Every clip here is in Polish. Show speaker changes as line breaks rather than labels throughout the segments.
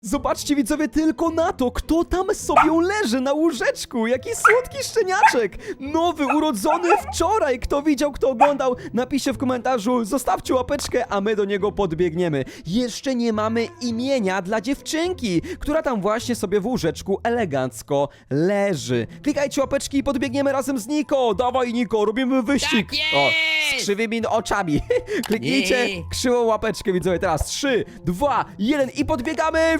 Zobaczcie widzowie tylko na to, kto tam sobie leży na łóżeczku. Jaki słodki szczeniaczek. Nowy, urodzony wczoraj. Kto widział, kto oglądał, napiszcie w komentarzu, zostawcie łapeczkę, a my do niego podbiegniemy. Jeszcze nie mamy imienia dla dziewczynki, która tam właśnie sobie w łóżeczku elegancko leży. Klikajcie łapeczki i podbiegniemy razem z Niko. Dawaj Niko, robimy wyścig.
Tak jest!
O, z krzywymi oczami. Kliknijcie krzywą łapeczkę widzowie. Teraz 3, 2, 1 i podbiegamy.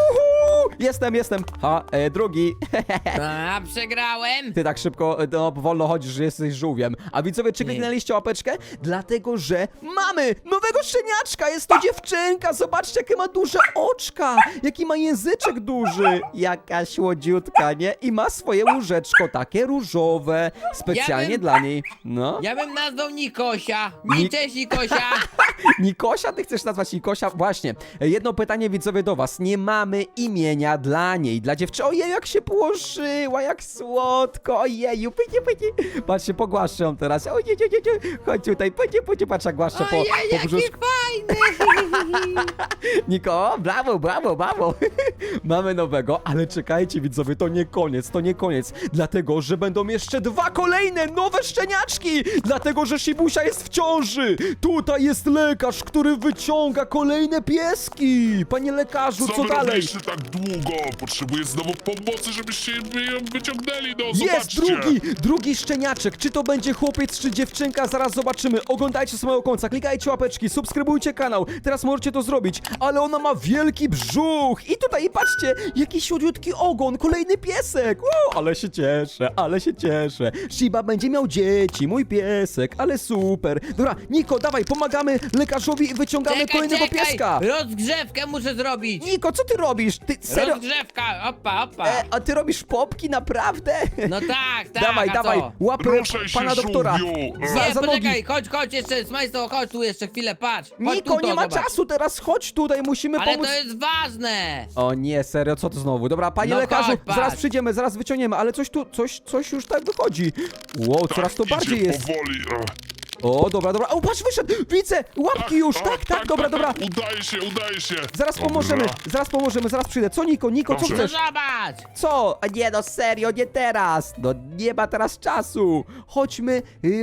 Jestem. Drugi.
A, przegrałem.
Ty tak szybko, no wolno chodzisz, że jesteś żółwiem. A widzowie, czy kliknęliście łapeczkę? Dlatego, że mamy nowego szczeniaczka. Jest to dziewczynka. Zobaczcie, jakie ma duże oczka. Jaki ma języczek duży. Jaka słodziutka, nie? I ma swoje łóżeczko, takie różowe. Specjalnie dla niej. No.
Ja bym nazwał Nikosia.
Nik-
Cześć Nikosia.
Nikosia? Ty chcesz nazwać Nikosia? Właśnie. Jedno pytanie widzowie do was. Nie mamy imienia dla niej, dla dziewczyny. Ojej, jak się położyła, jak słodko. Ojeju, pycie. Patrzcie, pogłaszczę ją teraz. Ojej, chodź tutaj, pycie, patrz jak głaszczę po
Jaki
brzuszku.
fajny.
Niko, brawo. Mamy nowego, ale czekajcie widzowie, to nie koniec. Dlatego, że będą jeszcze 2 kolejne nowe szczeniaczki. Dlatego, że Shibusia jest w ciąży. Tutaj jest lekarz, który wyciąga kolejne pieski. Panie lekarzu, co
wy
dalej?
robiliście tak długo? Potrzebuję znowu pomocy, żebyście ją wyciągnęli, no
Jest
zobaczcie!
drugi szczeniaczek. Czy to będzie chłopiec, czy dziewczynka? Zaraz zobaczymy. Oglądajcie z mojego końca, klikajcie łapeczki, subskrybujcie kanał. Teraz możecie to zrobić. Ale ona ma wielki brzuch. I tutaj, patrzcie, jaki siódmiutki ogon. Kolejny piesek. Wow, ale się cieszę. Shiba będzie miał dzieci, mój piesek. Ale super. Dobra, Niko, dawaj, pomagamy lekarzowi i wyciągamy kolejnego pieska.
Rozgrzewkę muszę zrobić.
Niko, co ty robisz? Ty serio?
Rozgrzewka, opa.
A ty robisz popki, naprawdę?
No tak,
Dawaj,
a co?
łapy
Ruszaj się,
pana doktora.
żółwiu.
Nie,
Za nogi.
poczekaj, chodź jeszcze, Smajsto, chodź tu jeszcze chwilę, patrz. Chodź
Niko,
tu,
nie ma
zobacz.
czasu teraz, chodź tutaj, musimy
Ale
pomóc.
to jest ważne.
O nie, serio, co to znowu? Dobra, panie
No
lekarzu,
chodź, patrz.
zaraz przyjdziemy, zaraz wyciągniemy, ale coś już tak wychodzi. Wow, coraz to
Idzie
bardziej jest.
powoli.
O, dobra, o, patrz, wyszedł, widzę, łapki już, tak, dobra.
Udaje się.
Zaraz pomożemy, zaraz przyjdę. Co, Niko, co
Dobrze.
No
chcesz?
zobacz.
Co? A nie, no serio, nie teraz. No nie ma teraz czasu. Chodźmy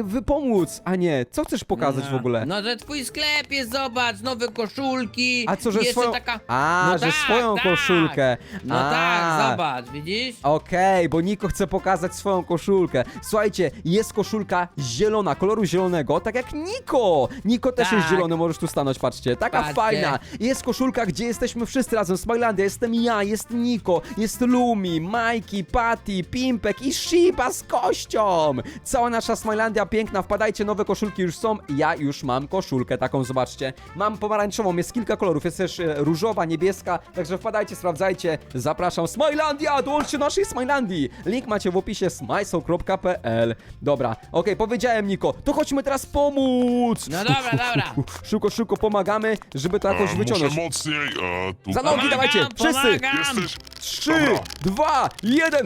pomóc. A nie, co chcesz pokazać w ogóle?
No, że twój sklep jest, zobacz, nowe koszulki.
A co, że
jeszcze
swoją...
taka...
A,
No
że
tak,
swoją
tak.
koszulkę.
No
A.
tak, zobacz, widzisz?
Okej, bo Niko chce pokazać swoją koszulkę. Słuchajcie, jest koszulka zielona, koloru zielonego, tak jak Niko. Niko też jest
Tak.
zielony, możesz tu stanąć, patrzcie. Taka
Patrzcie.
fajna. Jest koszulka, gdzie jesteśmy wszyscy razem. Smilandia, jestem ja, jest Niko, jest Lumi, Majki, Patty, Pimpek i Shiba z kością. Cała nasza Smilandia piękna, wpadajcie, nowe koszulki już są. Ja już mam koszulkę taką, zobaczcie. Mam pomarańczową, jest kilka kolorów, jest też różowa, niebieska, także wpadajcie, sprawdzajcie. Zapraszam, Smilandia, dołączcie do naszej Smilandii. Link macie w opisie smajso.pl. Dobra, okej, powiedziałem Niko, to chodźmy teraz pomóc.
No dobra.
Szybko pomagamy, żeby to jakoś wyciągnąć.
Muszę mocniej. Tu.
Za nogi dawajcie, wszyscy.
Pomagam.
Jesteś.
3,
Dobra.
2, 1.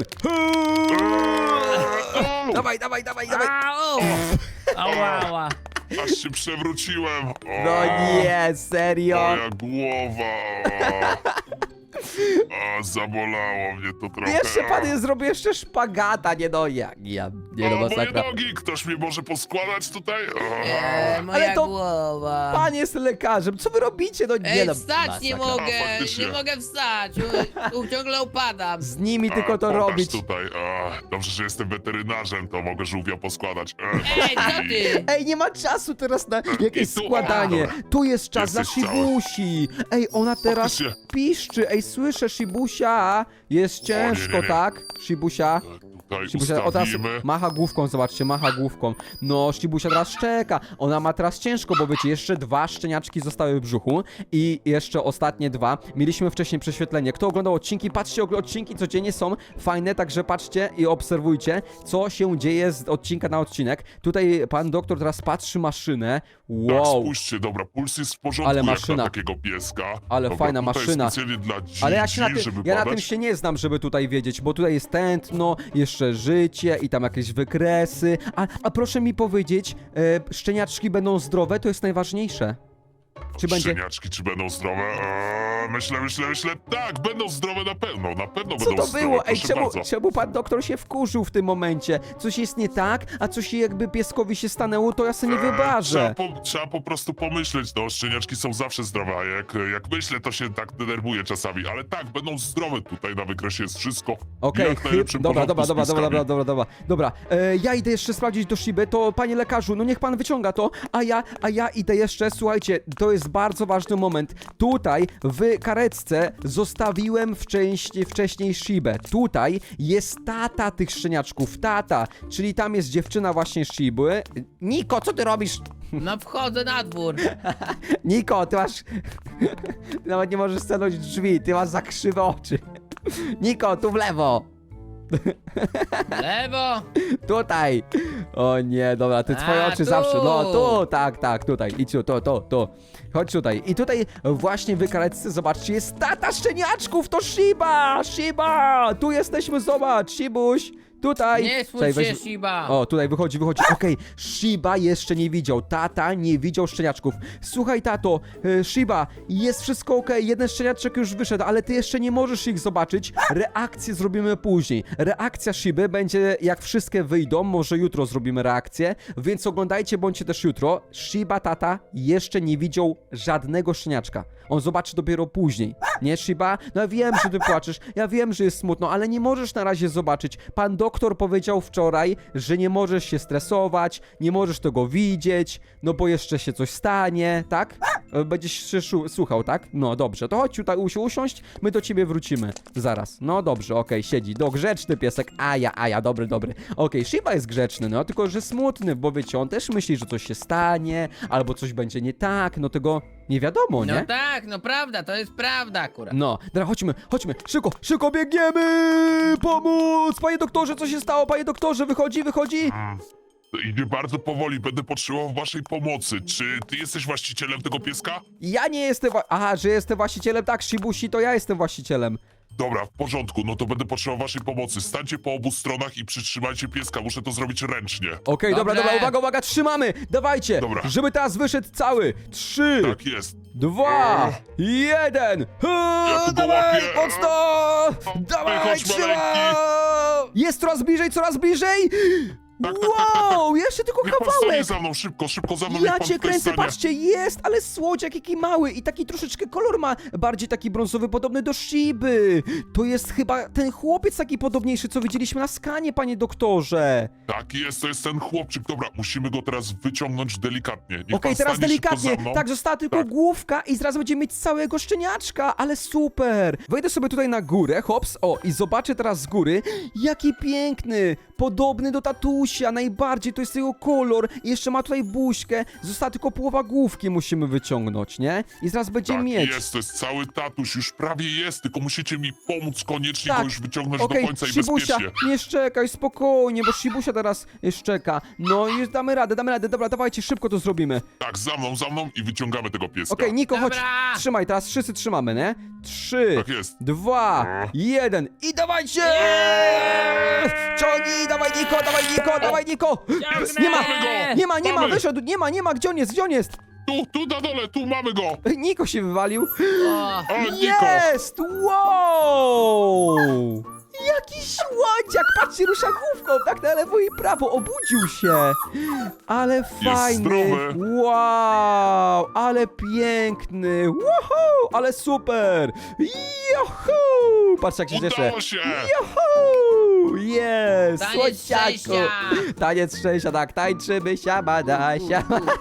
Dawaj.
Au! Ała.
Aż się przewróciłem.
No nie, serio.
Moja głowa. Zabolało mnie to trochę.
Jeszcze pan zrobił jeszcze szpagata, nie no, nie no,
Moje
masakra.
nogi, ktoś mnie może poskładać tutaj?
Moja
Ale to-
głowa.
Pan jest lekarzem, co wy robicie? No nie
Ej,
no,
wstać nie
masakra.
mogę,
faktycznie.
nie mogę wstać. Ciągle upadam.
Z nimi tylko to
Pokaż
robić.
tutaj. Dobrze, że jestem weterynarzem, to mogę żółwia poskładać.
Ej, co ty?
Ej, nie ma czasu teraz na jakieś
I tu,
składanie.
dobra.
Tu jest czas dla
Jesteś cała.
Shibusi. Ej, ona teraz
Faktycznie.
piszczy. Ej, słyszę, Shibusia. Jest ciężko,
nie.
tak? Shibusia.
Tutaj
Shibusia o, teraz
ustawimy.
macha główką, zobaczcie, macha główką. No, Shibusia teraz szczeka. Ona ma teraz ciężko, bo wiecie, jeszcze 2 szczeniaczki zostały w brzuchu i jeszcze ostatnie 2. Mieliśmy wcześniej prześwietlenie. Kto oglądał odcinki, patrzcie, odcinki codziennie są fajne, także patrzcie i obserwujcie, co się dzieje z odcinka na odcinek. Tutaj pan doktor teraz patrzy maszynę.
Tak,
Wow.
spójrzcie, dobra, puls jest w porządku
Ale
jak
maszyna.
na takiego pieska.
Ale
Dobra,
fajna
tutaj
maszyna.
specjalnie dla dzidzi,
Ale ja
żeby
na tym
badać.
się nie znam, żeby tutaj wiedzieć, bo tutaj jest tętno, jeszcze i tam jakieś wykresy. A proszę mi powiedzieć, szczeniaczki będą zdrowe? To jest najważniejsze. Czy będzie...
Szczeniaczki, czy będą zdrowe? Myślę. Tak, będą zdrowe na pewno
Co
będą
to
zdrowe,
było? Ej,
proszę bardzo.
czemu pan doktor się wkurzył w tym momencie? Coś jest nie tak, a coś jakby pieskowi się stanęło, to ja sobie nie wybarzę.
Trzeba po prostu pomyśleć, no szczeniaczki są zawsze zdrowe, a jak myślę, to się tak denerwuję czasami, ale tak, będą zdrowe tutaj na wykresie jest wszystko.
Okej,
jak w najlepszym
dobra,
porządku z pieskami.
dobra. Ja idę jeszcze sprawdzić do Shiby, to panie lekarzu, no niech pan wyciąga to, a ja idę jeszcze, słuchajcie, to jest bardzo ważny moment. Tutaj w karetce zostawiłem wcześniej Shibę. Tutaj jest tata tych szczeniaczków, tata, czyli tam jest dziewczyna właśnie Shiby. Niko, co ty robisz?
No wchodzę na dwór.
Niko, ty masz... Ty nawet nie możesz stanąć drzwi, ty masz za krzywe oczy. Niko, tu w lewo.
Lewo.
Tutaj! O nie, dobra, te twoje
A,
oczy
tu.
zawsze. No tu, tak, tutaj. Idź tu, to. Chodź tutaj. I tutaj właśnie w karetce, zobaczcie, jest tata szczeniaczków, to Shiba! Tu jesteśmy, zobacz, Shibuś. Tutaj.
Nie
Czekaj,
smuć się,
weź-
Shiba.
O, tutaj wychodzi. Okej, Shiba jeszcze nie widział. Tata nie widział szczeniaczków. Słuchaj, tato, Shiba, jest wszystko okej. Jeden szczeniaczek już wyszedł, ale ty jeszcze nie możesz ich zobaczyć. Reakcję zrobimy później. Reakcja Shiby będzie, jak wszystkie wyjdą. Może jutro zrobimy reakcję, więc oglądajcie, bądźcie też jutro. Shiba, tata, jeszcze nie widział żadnego szczeniaczka. On zobaczy dopiero później. Nie, Shiba? No ja wiem, że ty płaczesz. Ja wiem, że jest smutno, ale nie możesz na razie zobaczyć. Pan doktor powiedział wczoraj, że nie możesz się stresować, nie możesz tego widzieć, no bo jeszcze się coś stanie, tak? Będziesz się słuchał, tak? No dobrze, to chodź tutaj usiąść, my do ciebie wrócimy. Zaraz. No dobrze, okej, siedzi. No grzeczny piesek. Aja, dobry. Okej, Shiba jest grzeczny, no tylko że smutny, bo wiecie, on też myśli, że coś się stanie, albo coś będzie nie tak, no tego nie wiadomo, nie?
No tak, no prawda, to jest prawda akurat.
No, dobra, chodźmy, szybko biegniemy! Pomóc! Panie doktorze, co się stało? Panie doktorze, wychodzi?
Idzie bardzo powoli, będę potrzebował waszej pomocy. Czy ty jesteś właścicielem tego pieska?
Ja nie jestem Aha, że jestem właścicielem, tak, Shibusi, to ja jestem właścicielem.
Dobra, w porządku, no to będę potrzebował waszej pomocy. Stańcie po obu stronach i przytrzymajcie pieska, muszę to zrobić ręcznie.
Okej, dobra,
Dobrze.
uwaga, trzymamy! Dawajcie!
Dobra.
Żeby teraz wyszedł cały! 3,
Tak jest.
2, 1!
Ja tu go
Dawaj,
łapię.
mocno! Dawaj,
Wychodź,
trzymaj!
maleńki.
Jest coraz bliżej!
Tak.
Wow, jeszcze tylko
Niech pan stanie
kawałek!
za mną, szybko za mną, niech
Ja
pan
cię
tutaj
kręcę,
stanie.
patrzcie, jest, ale słodziak jaki mały i taki troszeczkę kolor ma, bardziej taki brązowy, podobny do Shiby. To jest chyba ten chłopiec taki podobniejszy, co widzieliśmy na skanie, panie doktorze.
Tak jest, to jest ten chłopczyk. Dobra, musimy go teraz wyciągnąć delikatnie. Niech
Okej,
pan
teraz
stanie szybko
delikatnie,
za mną.
tak, została tylko
Tak.
główka i zaraz będziemy mieć całego szczeniaczka, ale super. Wejdę sobie tutaj na górę, hops, o, i zobaczę teraz z góry, jaki piękny, podobny do tatusia, najbardziej, to jest jego kolor, i jeszcze ma tutaj buźkę, została tylko połowa główki musimy wyciągnąć, nie? I zaraz będziemy
Tak
mieć.
jest, to jest cały tatuś, już prawie jest, tylko musicie mi pomóc koniecznie
Tak.
go już wyciągnąć do
Okej,
końca i
Shibusia,
bezpiecznie.
nie szczekaj, spokojnie, bo Shibusia teraz szczeka. No i damy radę, dobra, dawajcie, szybko to zrobimy.
Tak, za mną i wyciągamy tego pieska.
Okej, Niko, chodź,
Dobra.
trzymaj, teraz wszyscy trzymamy, nie? 3,
Tak jest.
2, 1 i dawajcie! Ciągnij, dawaj Niko!
Ciągnę!
Nie ma,
Mamy.
wyszedł, nie ma, gdzie on jest?
Tu na dole, tu mamy go!
Niko się wywalił.
O,
O, Niko!
Jest! Wow! Jaki słodziak! Patrzcie, rusza główką, tak na lewo i prawo, obudził się! Ale fajny!
zdrowy.
Wow! Ale piękny! Woohoo! Ale super! Juhu! Patrz jak się cieszę!
Udało się!
Juhu! Jest!
Taniec
Słodziaku!
szczęścia!
Taniec szczęścia, tak, tańczymy siabadasia.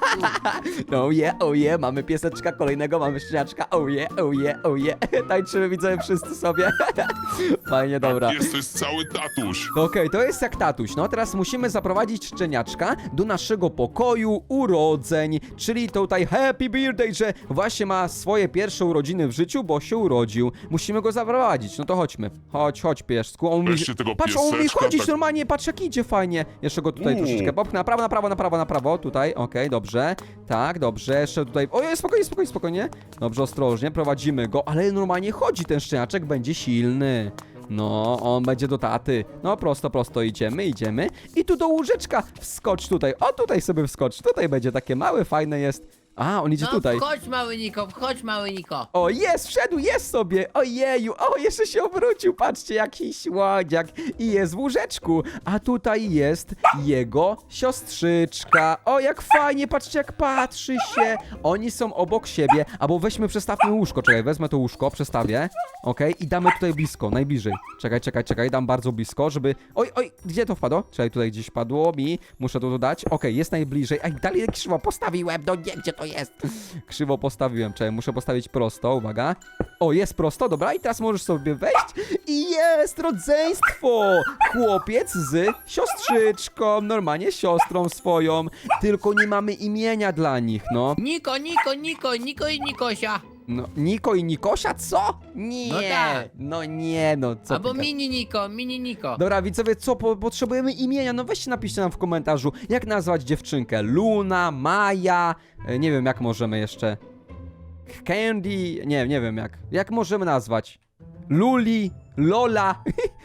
Oh yeah, mamy pieseczka kolejnego, mamy szczeniaczka, oh yeah. Tańczymy, widzowie, wszyscy sobie. Fajnie, dobra.
Jest, to jest cały tatuś.
Okej, to jest jak tatuś. No teraz musimy zaprowadzić szczeniaczka do naszego pokoju urodzeń, czyli tutaj happy birthday, że właśnie ma swoje pierwsze urodziny w życiu, bo się urodził. Musimy go zaprowadzić, no to chodźmy. Chodź piesku. On
Weźcie tego
patrz, on umie
pieseczka,
chodzić
tak.
normalnie, patrz jak idzie fajnie. Jeszcze go tutaj troszeczkę popchnę, na prawo, tutaj, okej, dobrze. Tak, dobrze, jeszcze tutaj, ojej, spokojnie. Dobrze, ostrożnie, prowadzimy go, ale normalnie chodzi ten szczeniaczek, będzie silny. No, on będzie do taty. No, prosto idziemy. I tu do łóżeczka wskocz tutaj. O, tutaj sobie wskocz. Tutaj będzie takie małe, fajne jest. A, on idzie
No
tutaj.
wchodź mały Niko, wchodź mały Niko.
O, jest, wszedł, jest sobie. Ojeju, o, jeszcze się obrócił. Patrzcie, jaki słodziak. I jest w łóżeczku. A tutaj jest jego siostrzyczka. O, jak fajnie, patrzcie, jak patrzy się. Oni są obok siebie. Albo weźmy, przestawmy łóżko. Czekaj, wezmę to łóżko, przestawię. Okej, i damy tutaj blisko, najbliżej. Czekaj, dam bardzo blisko, żeby... Oj, gdzie to wpadło? Czekaj, tutaj gdzieś padło mi. Muszę to dodać. Okej, jest najbliżej. Ej, dalej krzywo postawiłem. No nie, gdzie to jest? Krzywo postawiłem. Czekaj, muszę postawić prosto, uwaga. O, jest prosto, dobra, i teraz możesz sobie wejść. I jest rodzeństwo! Chłopiec z siostrzyczką, normalnie siostrą swoją. Tylko nie mamy imienia dla nich, no.
Niko i Nikosia.
No, Niko i Nikosia, co? Nie,
No tak.
no nie, no co
Albo
ty tak-
mini Niko.
Dobra, widzowie, co potrzebujemy imienia? No weźcie, napiszcie nam w komentarzu, jak nazwać dziewczynkę. Luna, Maja, nie wiem jak możemy jeszcze. Candy, nie wiem jak. Jak możemy nazwać? Luli, Lola,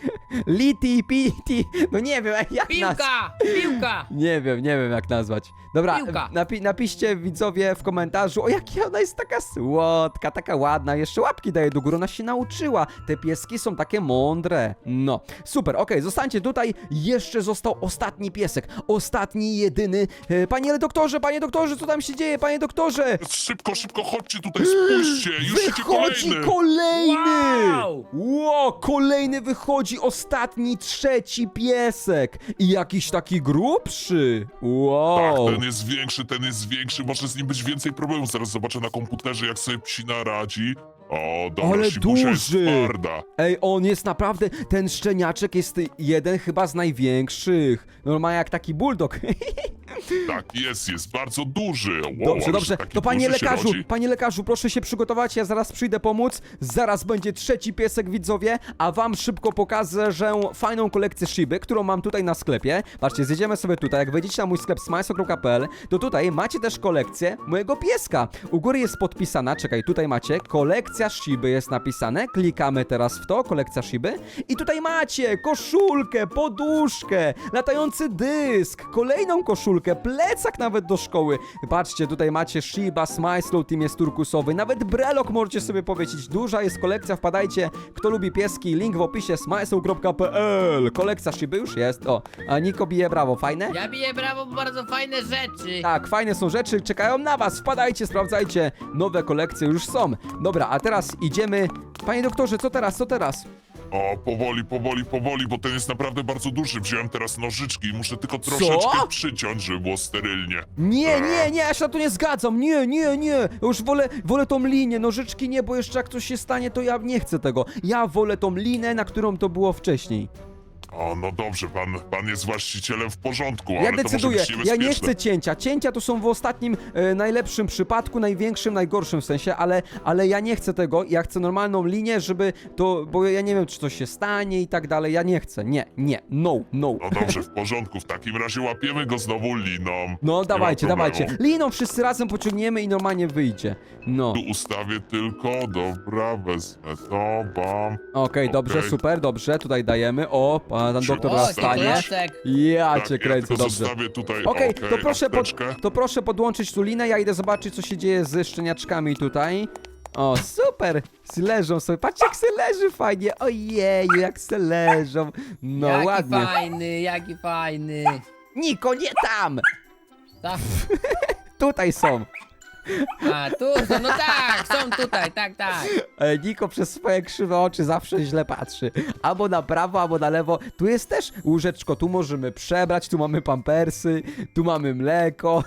Liti, Piti, no nie wiem jak nazwać.
Piłka.
Nie wiem jak nazwać. Dobra,
Piłka.
napiszcie widzowie w komentarzu, o jaka ona jest taka słodka, taka ładna, jeszcze łapki daje do góry, ona się nauczyła. Te pieski są takie mądre. No, super, okej, zostańcie tutaj, jeszcze został ostatni piesek, ostatni, jedyny. Panie doktorze, co tam się dzieje, panie doktorze?
Szybko, chodźcie tutaj, spójrzcie, już idzie
Wychodzi
kolejny.
kolejny!
Wow!
Ło, kolejny wychodzi, ostatni, trzeci piesek. I jakiś taki grubszy. Wow.
Tak, ten jest większy, może z nim być więcej problemów. Zaraz zobaczę na komputerze, jak sobie psina radzi. O, dobra,
Ale
Shibusia jest
duży.
twarda.
Ej, on jest naprawdę, ten szczeniaczek jest jeden chyba z największych. Normalnie jak taki bulldog.
Tak, jest bardzo duży. Wow,
Dobrze,
ależ
dobrze.
taki
To
duży się rodzi.
panie lekarzu, proszę się przygotować, ja zaraz przyjdę pomóc. Zaraz będzie trzeci piesek, widzowie, a wam szybko pokażę, że fajną kolekcję Shiby, którą mam tutaj na sklepie. Patrzcie, zjedziemy sobie tutaj, jak wejdziecie na mój sklep smajso.pl, to tutaj macie też kolekcję mojego pieska. U góry jest podpisana, czekaj, tutaj macie, kolekcja Shiby jest napisane, klikamy teraz w to, kolekcja Shiby i tutaj macie koszulkę, poduszkę, latający dysk, kolejną koszulkę, plecak nawet do szkoły. Patrzcie, tutaj macie Shiba, Smajslow, team jest turkusowy, nawet brelok możecie sobie powiesić. Duża jest kolekcja, wpadajcie, kto lubi pieski, link w opisie smajslow.pl. Kolekcja Shiby już jest, o, a Niko bije brawo, fajne?
Ja biję brawo, bo bardzo fajne rzeczy.
Tak, fajne są rzeczy, czekają na was, wpadajcie, sprawdzajcie, nowe kolekcje już są. Dobra, a teraz idziemy, panie doktorze, co teraz?
O, powoli, bo ten jest naprawdę bardzo duży. Wziąłem teraz nożyczki i muszę tylko troszeczkę przyciąć, żeby było sterylnie.
Nie, ja się na to nie zgadzam, nie, już wolę tą linię, nożyczki nie, bo jeszcze jak coś się stanie, to ja nie chcę tego. Ja wolę tą linę, na którą to było wcześniej.
O, no dobrze, pan jest właścicielem w porządku,
Ja
ale to może
decyduję,
być
ja
niebezpieczne.
nie chcę cięcia. Cięcia to są w ostatnim, najlepszym przypadku, największym, najgorszym w sensie, ale ja nie chcę tego. Ja chcę normalną linię, żeby to, bo ja nie wiem, czy coś się stanie i tak dalej. Ja nie chcę, nie, no.
No dobrze, w porządku, w takim razie łapiemy go znowu liną.
No
Nie
dawajcie,
ma problemu.
Liną wszyscy razem pociągniemy i normalnie wyjdzie. No.
Tu ustawię tylko, dobra, wezmę to, bam.
Okej, dobrze,
Okej.
super, dobrze, tutaj dajemy. O, pan doktor
O,
teraz
to
stanie.
klasek.
Ja
Tak,
cię
ja
kręcę,
tylko
dobrze.
zostawię tutaj,
Okej,
apteczkę.
to proszę podłączyć tu linę, ja idę zobaczyć, co się dzieje ze szczeniaczkami tutaj. O, super! Leżą sobie, patrzcie jak se leży fajnie, ojeju, jak se leżą. No,
Jaki
ładnie.
jaki fajny.
Niko, nie tam!
Tak.
Tutaj są.
A, tu, no tak, są tutaj, tak.
Niko przez swoje krzywe oczy zawsze źle patrzy. Albo na prawo, albo na lewo. Tu jest też łóżeczko, tu możemy przebrać, tu mamy pampersy, tu mamy mleko.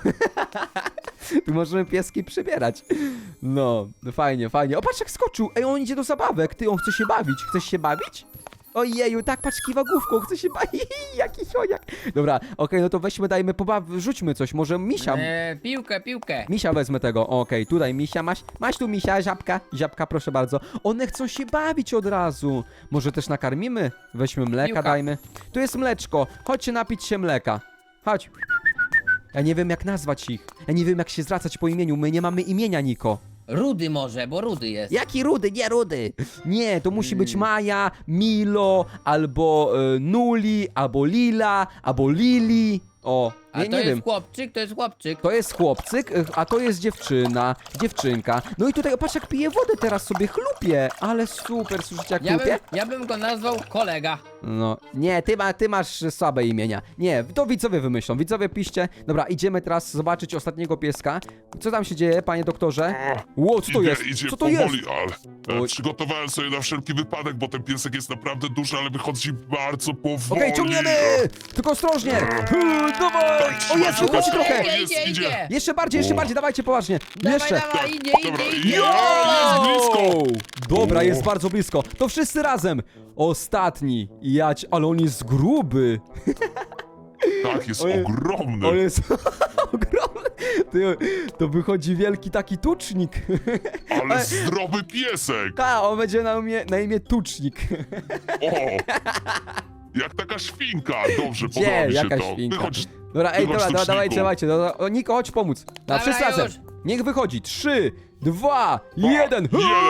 Tu możemy pieski przybierać. No, fajnie. O, patrz jak skoczył. Ej, on idzie do zabawek. Ty, on chce się bawić. Chcesz się bawić? Ojeju, tak, patrz, kiwa główką, chce się bawić. Jaki choniak. Dobra, okej, no to weźmy, dajmy, rzućmy coś. Może misia.
Piłkę.
Misia wezmę tego, okej, tutaj misia, masz tu misia, żabka, proszę bardzo. One chcą się bawić od razu. Może też nakarmimy? Weźmy mleka,
Piłka.
dajmy. Tu jest mleczko, chodźcie napić się mleka. Chodź. Ja nie wiem jak nazwać ich. Ja nie wiem jak się zwracać po imieniu, my nie mamy imienia, Niko.
Rudy może, bo Rudy jest.
Jaki Rudy? Nie Rudy. Nie, to musi być Maja, Milo, albo Nuli, albo Lila, albo Lili. O,
A
Nie,
to
nie
jest
wiem.
chłopczyk, to jest chłopczyk.
To jest chłopcyk, a to jest dziewczynka. No i tutaj, patrz jak pije wodę teraz sobie, chlupie. Ale super, słyszycie jak chlupie?
Ja bym go nazwał kolega.
No, nie, ty masz słabe imienia. Nie, to widzowie wymyślą, widzowie piszcie. Dobra, idziemy teraz zobaczyć ostatniego pieska. Co tam się dzieje, panie doktorze? Ło, co to jest?
Idzie
Co to jest?
powoli, ale
Oj.
przygotowałem sobie na wszelki wypadek, bo ten piesek jest naprawdę duży, ale wychodzi bardzo powoli.
Okej, ciągniemy! Tylko ostrożnie! Dawaj! O, jest,
Trzymaj,
wychodzi
trzymaj.
trochę!
Idzie.
Jeszcze bardziej, dawajcie poważnie. Jeszcze.
Dawaj, idzie,
Dobra,
idzie,
idzie.
idzie.
Jest blisko.
Dobra,
O.
jest bardzo blisko. To wszyscy razem. Ostatni. Ale on jest gruby.
Tak, jest
Ojej.
ogromny.
On jest ogromny. To wychodzi wielki taki tucznik.
Ale zdrowy piesek.
On będzie na imię Tucznik.
O! Jak taka świnka. Dobrze,
Gdzie?
podoba mi się
Jaka
to.
świnka?
Wychodź.
Dobra, ej,
Wychodź,
dobra,
tuczniku.
dawajcie. O, Niko, chodź pomóc.
Dobra,
Wszyscy razem.
już.
Niech wychodzi. 3, 2, 1.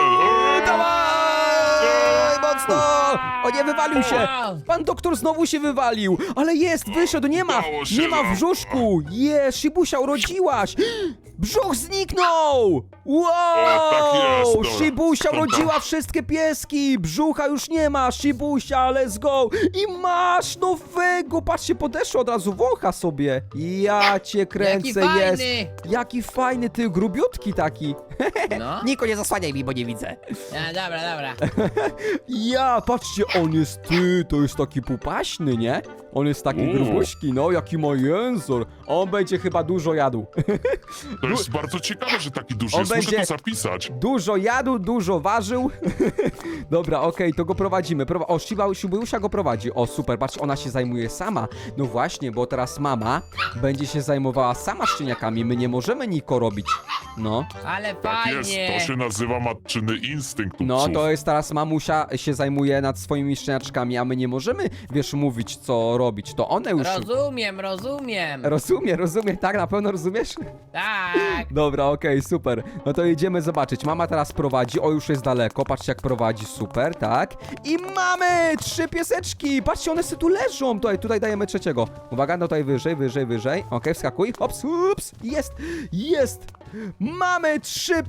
Dawaj! Mocno! O nie, wywalił się! Pan doktor znowu się wywalił! Ale jest, wyszedł, nie ma!
Udało się
Nie ma w
nam.
brzuszku! Jest, Shibusia, urodziłaś! Brzuch zniknął! Wow!
tak jest, dobra.
Shibusia
Dobra.
urodziła wszystkie pieski! Brzucha już nie ma! Shibusia, let's go! I masz nowego! Patrzcie, podeszło od razu, wącha sobie! Ja cię kręcę,
Jaki
jest!
fajny.
Jaki fajny, ty grubiutki taki!
No.
Niko, nie zasłaniaj mi, bo nie widzę.
Dobra.
Ja, patrzcie, on jest, to jest taki pupaśny, nie? On jest taki
Uuu.
grubuśki, no, jaki ma jęzor. On będzie chyba dużo jadł.
To jest bardzo ciekawe, że taki duży
On
jest. Muszę
będzie-
to zapisać.
Dużo jadł, dużo ważył. Dobra, okej, to go prowadzimy. Shibuya go prowadzi. O, super, patrz, ona się zajmuje sama. No właśnie, bo teraz mama będzie się zajmowała sama szczeniakami. My nie możemy Niko robić. No.
Ale
Tak jest,
fajnie.
to się nazywa matczyny instynkt u
No,
psów.
to jest teraz mamusia się zajmuje nad swoimi szczeniaczkami, a my nie możemy, wiesz, mówić, co robić. To one już...
Rozumiem.
Rozumiem, tak? Na pewno rozumiesz?
Tak.
Dobra, okej, super. No to idziemy zobaczyć. Mama teraz prowadzi, o już jest daleko, patrzcie jak prowadzi, super, tak? I mamy 3 pieseczki, patrzcie, one sobie tu leżą. Tutaj dajemy trzeciego. Uwaga, no tutaj wyżej. Okej, wskakuj, hops, ups, jest. Mamy 3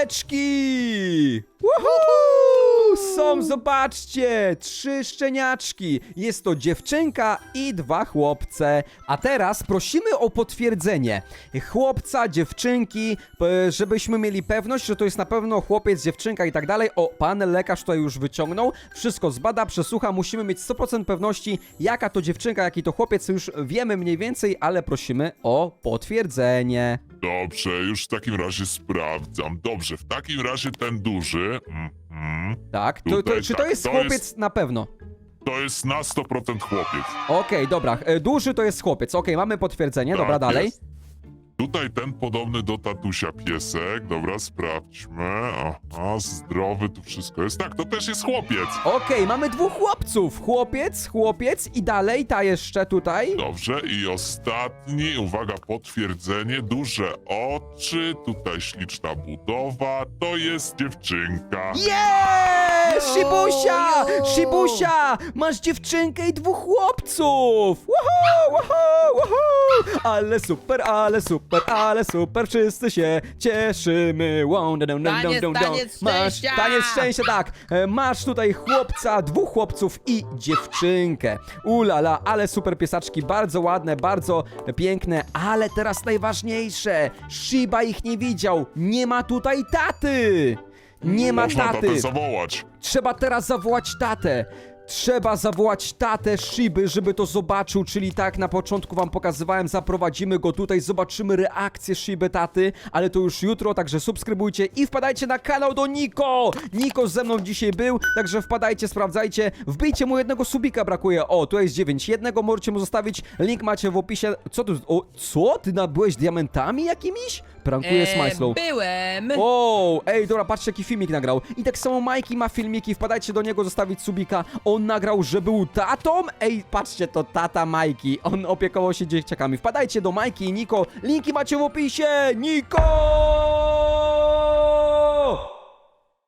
pieseczki. Woohoo! Są, zobaczcie, 3 szczeniaczki. Jest to dziewczynka i 2 chłopce. A teraz prosimy o potwierdzenie chłopca, dziewczynki, żebyśmy mieli pewność, że to jest na pewno chłopiec, dziewczynka i tak dalej. O, pan lekarz tutaj już wyciągnął, wszystko zbada, przesłucha, musimy mieć 100% pewności, jaka to dziewczynka, jaki to chłopiec, już wiemy mniej więcej, ale prosimy o potwierdzenie.
Dobrze, już w takim razie sprawdzam. Dobrze, w takim razie ten duży...
Tak,
Tutaj
czy to
tak,
jest
to
chłopiec
jest-
na pewno?
To jest na 100% chłopiec.
Okej, dobra, duży to jest chłopiec, okej, mamy potwierdzenie, dobra,
Tak
dalej.
jest. Tutaj ten podobny do tatusia piesek. Dobra, sprawdźmy. Aha, zdrowy, tu wszystko jest. Tak, to też jest chłopiec.
Okej, mamy 2 chłopców, chłopiec i dalej, ta jeszcze tutaj.
Dobrze, i ostatni, uwaga, potwierdzenie, duże oczy, tutaj śliczna budowa, to jest dziewczynka.
Jest! Shibusia!
Jo!
Shibusia! Masz dziewczynkę i 2 chłopców! Woohoo! Ale super, wszyscy się cieszymy.
Taniec
Masz
szczęścia!
taniec szczęścia, tak. Masz tutaj chłopca, 2 chłopców i dziewczynkę. Ulala, ale super piesaczki, bardzo ładne, bardzo piękne, ale teraz najważniejsze. Shiba ich nie widział, nie ma tutaj taty. Nie ma
Można
taty.
tatę zawołać.
Trzeba teraz zawołać tatę. Trzeba zawołać tatę Shiby, żeby to zobaczył, czyli tak na początku wam pokazywałem, zaprowadzimy go tutaj, zobaczymy reakcję Shiby taty, ale to już jutro, także subskrybujcie i wpadajcie na kanał do Niko! Niko ze mną dzisiaj był, także wpadajcie, sprawdzajcie, wbijcie mu jednego subika, brakuje, o, tu jest 9, jednego możecie mu zostawić, link macie w opisie, co? Ty nabyłeś diamentami jakimiś? Prankuje Smajslow.
Byłem.
O, ej, dobra, patrzcie jaki filmik nagrał. I tak samo Majki ma filmiki, wpadajcie do niego, zostawić subika. On nagrał, że był tatą. Ej, patrzcie, to tata Majki. On opiekował się dzieciakami. Wpadajcie do Majki i Niko. Linki macie w opisie. Niko!